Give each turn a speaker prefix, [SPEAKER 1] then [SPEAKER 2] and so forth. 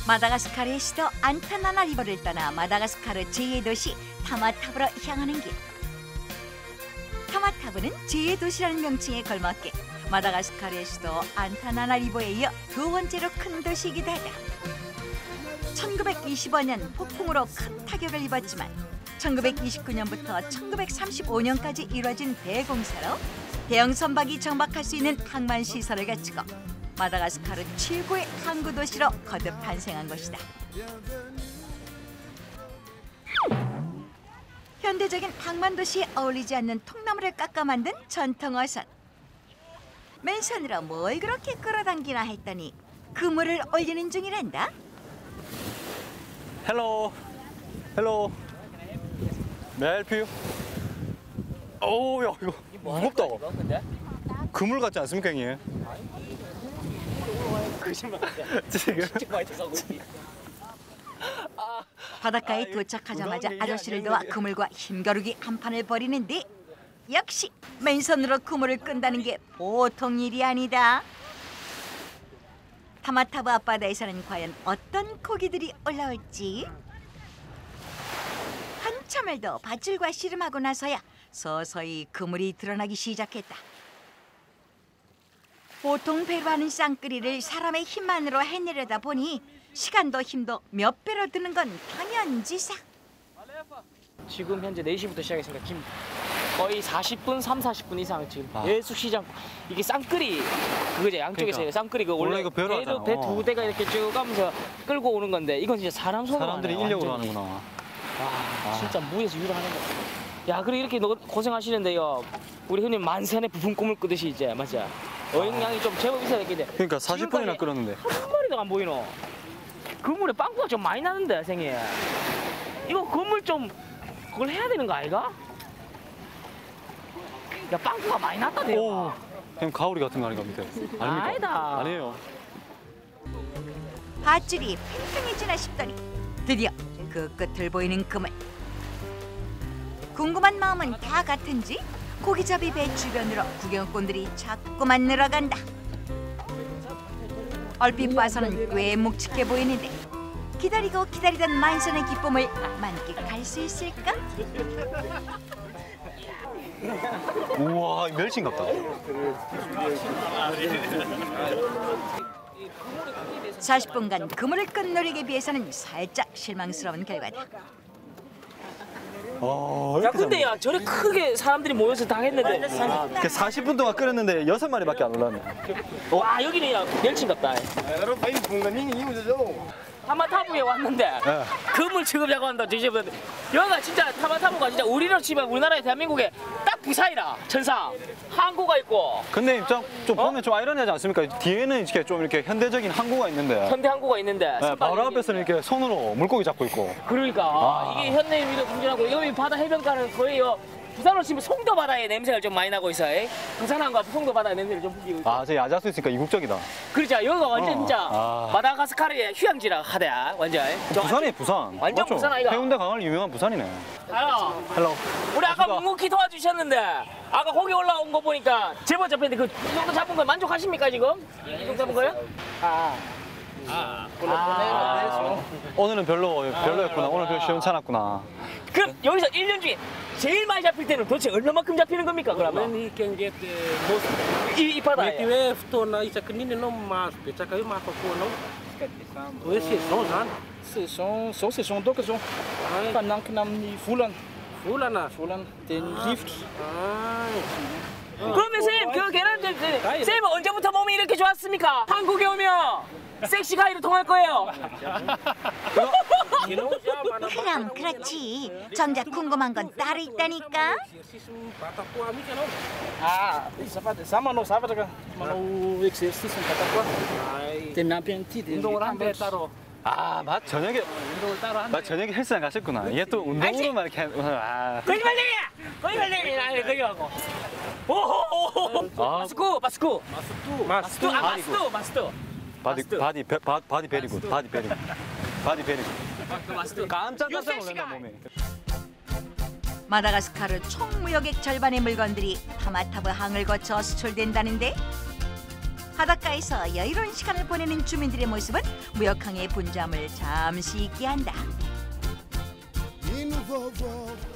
[SPEAKER 1] 마다가스카르의 수도 안타나나리보를 떠나 마다가스카르 제2의 도시 타마타브로 향하는 길. 타마타브는 제2의 도시라는 명칭에 걸맞게 마다가스카르의 수도 안타나나리보에 이어 두 번째로 큰 도시이기도 하다. 1925년 폭풍으로 큰 타격을 입었지만 1929년부터 1935년까지 이루어진 대공사로 대형 선박이 정박할 수 있는 항만 시설을 갖추고 마다가스카르 최고의 항구 도시로 거듭 탄생한 것이다. 현대적인 항만 도시에 어울리지 않는 통나무를 깎아 만든 전통 어선. 맨손으로 뭘 그렇게 끌어당기나 했더니 그물을 올리는 중이란다.
[SPEAKER 2] Hello. Hello. May I help you? 오, 야, 이거 무겁다. 그물 같지 않습니까, 형님?
[SPEAKER 3] 거짓말
[SPEAKER 2] 지금
[SPEAKER 1] 바닷가에 도착하자마자 아저씨를 도와 그물과 힘겨루기 한판을 벌이는데 역시 맨손으로 그물을 끈다는 게 보통 일이 아니다. 타마타브 앞바다에서는 과연 어떤 고기들이 올라올지. 한참을 더 밧줄과 씨름하고 나서야 서서히 그물이 드러나기 시작했다. 보통 배로 하는 쌍끌이를 사람의 힘만으로 해내려다 보니 시간도 힘도 몇 배로 드는 건 당연지사.
[SPEAKER 3] 지금 현재 4시부터 시작했으니까 지금 거의 40분, 40분 이상 지금 계속 시장. 이게 쌍끌이 그거죠. 양쪽에서
[SPEAKER 2] 그러니까.
[SPEAKER 3] 쌍끌이 그
[SPEAKER 2] 원래 이거 배로 하잖아.
[SPEAKER 3] 배 두 대가 이렇게 쭉 가면서 끌고 오는 건데 이건 진짜 사람 손으로
[SPEAKER 2] 사람들이
[SPEAKER 3] 하네요,
[SPEAKER 2] 인력으로
[SPEAKER 3] 완전히.
[SPEAKER 2] 하는구나.
[SPEAKER 3] 와, 진짜 무에서 유로하는 거. 야, 그리고 이렇게 고생하시는데요. 우리 흔히 만선의 부푼 꿈을 꾸듯이 이제 맞아. 어획량이 좀 제법 있어야 되겠네.
[SPEAKER 2] 그러니까 40분이나 끓었는데.
[SPEAKER 3] 한 마리도 안 보이노. 그물에 빵꾸가 좀 많이 나는데, 생이. 이거 그물 좀 그걸 해야 되는 거 아이가? 야, 빵꾸가 많이 났다,
[SPEAKER 2] 오,
[SPEAKER 3] 대요.
[SPEAKER 2] 그냥 가오리 같은 거 아닌가 밑에. 아닙니까?
[SPEAKER 3] 아니다.
[SPEAKER 2] 아니에요.
[SPEAKER 1] 밧줄이 팽팽해지나 싶더니 드디어 그 끝을 보이는 그물. 궁금한 마음은 다 같은지 고기잡이 배 주변으로 구경꾼들이 자꾸만 늘어간다. 얼핏 봐서는 꽤 묵직해 보이는데 기다리고 기다리던 만선의 기쁨을 만끽할 수 있을까?
[SPEAKER 2] 우와, 멸치 같다.
[SPEAKER 1] 40분간 그물을 끈 노력에 비해서는 살짝 실망스러운 결과다.
[SPEAKER 3] 야, 근데 야, 저래 크게 사람들이 모여서 다 했는데.
[SPEAKER 2] 40분 동안 끓였는데 6마리밖에 안 올랐네.
[SPEAKER 3] 와, 여기는 야, 멸치인갑다. 타마타브에 왔는데 그물 취급자고 한다 뒤집었는데 여기가 진짜 타마타브가 진짜 우리로 치면 우리나라의 대한민국에 딱 부산이라 천상 항구가 있고
[SPEAKER 2] 근데 좀 보면 좀 아이러니하지 않습니까? 뒤에는 이렇게 좀 이렇게 현대적인 항구가 있는데
[SPEAKER 3] 현대 항구가 있는데
[SPEAKER 2] 네, 바로 앞에서는 이렇게 손으로 물고기 잡고 있고.
[SPEAKER 3] 그러니까 이게 현대 위로 funcion하고 여기 바다 해변가는 거의 부산으로 치면 송도 바다의 냄새가 좀 많이 나고 있어요. 부산항과 송도 바다의 냄새를 좀 풍기고 있고.
[SPEAKER 2] 저 야자수 있으니까 이국적이다.
[SPEAKER 3] 그렇죠. 여기가 완전 진짜
[SPEAKER 2] 아.
[SPEAKER 3] 마다가스카르의 휴양지라 하대 완전.
[SPEAKER 2] 부산이에요, 부산.
[SPEAKER 3] 완전
[SPEAKER 2] 맞죠?
[SPEAKER 3] 부산 아이가.
[SPEAKER 2] 해운대 강을 유명한 부산이네.
[SPEAKER 3] 아요.
[SPEAKER 2] 헬로.
[SPEAKER 3] 우리 아까 묵묵히 도와주셨는데 아까 거기 올라온 거 보니까 제법 잡혔는데 그 이 정도 잡은 거 만족하십니까 지금? 이 정도 잡은 거요?
[SPEAKER 2] 오늘은 별로였구나. 오늘 별로 시원찮았구나.
[SPEAKER 3] 그럼 여기서 1년 중에 제일 많이 잡힐 때는 도대체 얼마만큼 잡히는 겁니까 그러면?
[SPEAKER 4] When he can get most
[SPEAKER 3] 이 바다에.
[SPEAKER 4] maybe we to na isa kanina no mas pecha kayo makakuha no. We saison zany.
[SPEAKER 5] Saison doka zao. Fanankina amin'ny volana.
[SPEAKER 4] Volana.
[SPEAKER 5] Volana dia ny rivotra.
[SPEAKER 3] 그러면 쌤, 그 계란 쌤은 언제부터 몸이 이렇게 좋았습니까? 한국에 오면 섹시 가이로 통할 거예요.
[SPEAKER 1] 그럼 그렇지. 정작 궁금한 건 따로 있다니까.
[SPEAKER 5] Za manao zavatra ka manao exercice ny vatako dia miampy an'ity dia
[SPEAKER 3] 운동을 한대 따로.
[SPEAKER 2] 저녁에 저녁에 헬스장 가셨구나. 이게 또 운동으로만 이렇게
[SPEAKER 3] 거짓말쟁이야. 거기 하고. 오호호호. 마스쿠.
[SPEAKER 2] 바디 베리굿. 깜짝 놀란다 몸에.
[SPEAKER 1] 마다가스카르 총 무역액 절반의 물건들이 타마타브 항을 거쳐 수출된다는데 바닷가에서 여유로운 시간을 보내는 주민들의 모습은 무역항의 분주함을 잠시 잊게 한다.